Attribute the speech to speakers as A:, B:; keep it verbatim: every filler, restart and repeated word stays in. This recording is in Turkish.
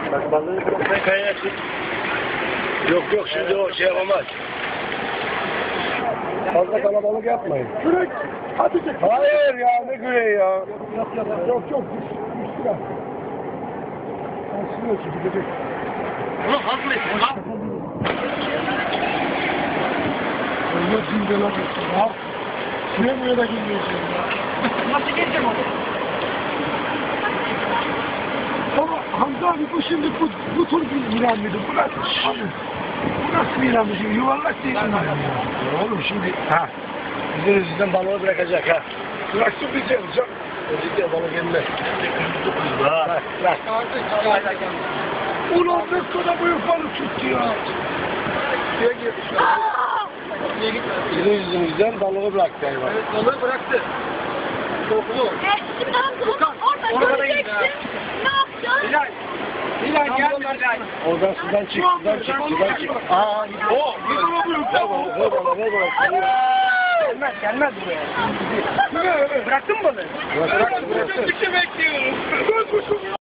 A: Bak balığı bırakmayı kayaya tut. Yok yok şimdi o şey yapamaz. Fazla kalabalık yapmayın.
B: Kürek. Hadi çek.
A: Hayır ya ne küreği ya.
B: Yok yok yok yok. Üstü var. Aslında çekecek.
A: Bunu hazmetsin lan.
B: Allah şimdi lan. Ya. Şuraya buraya da girmeyeceğim ya.
C: Nasıl geçeceğim onu?
B: Ama Hamza abi bu şimdi bu, bu tür bir ilan mıydı? Bu nasıl? Abi, bu nasıl bir ilan mıydı? Yuvarlak değil mi?
A: Ya oğlum şimdi ha. Bizim yüzünden balığı bırakacak ha.
B: Bıraksın bizi yapacak.
A: Özellikle balık gelmez. Bırak bırak.
B: Ulan ne kadar büyük balık tuttu ya.
C: Suya girdi şu an. Suya gitmedi.
A: Bizim yüzümüzden balığı bıraktı hayvan.
C: Evet, balığı bıraktı. Korktu.
D: E, şimdi Hamza orada
C: Orada
D: göreceksin.
C: gitti.
D: Ne yapacaksın?
C: Bilal. Bilal gelme Bilal.
A: Oradan sudan çık, sudan çık, sudan çık. Aa, gidiyor.
C: O, bir bana büyük.
A: Ver bana, ver bana, ver bana.
C: Gelmez, gelmez buraya. Bıraktın mı balığı?
A: Bıraktı, bıraktı.
C: bekliyorum.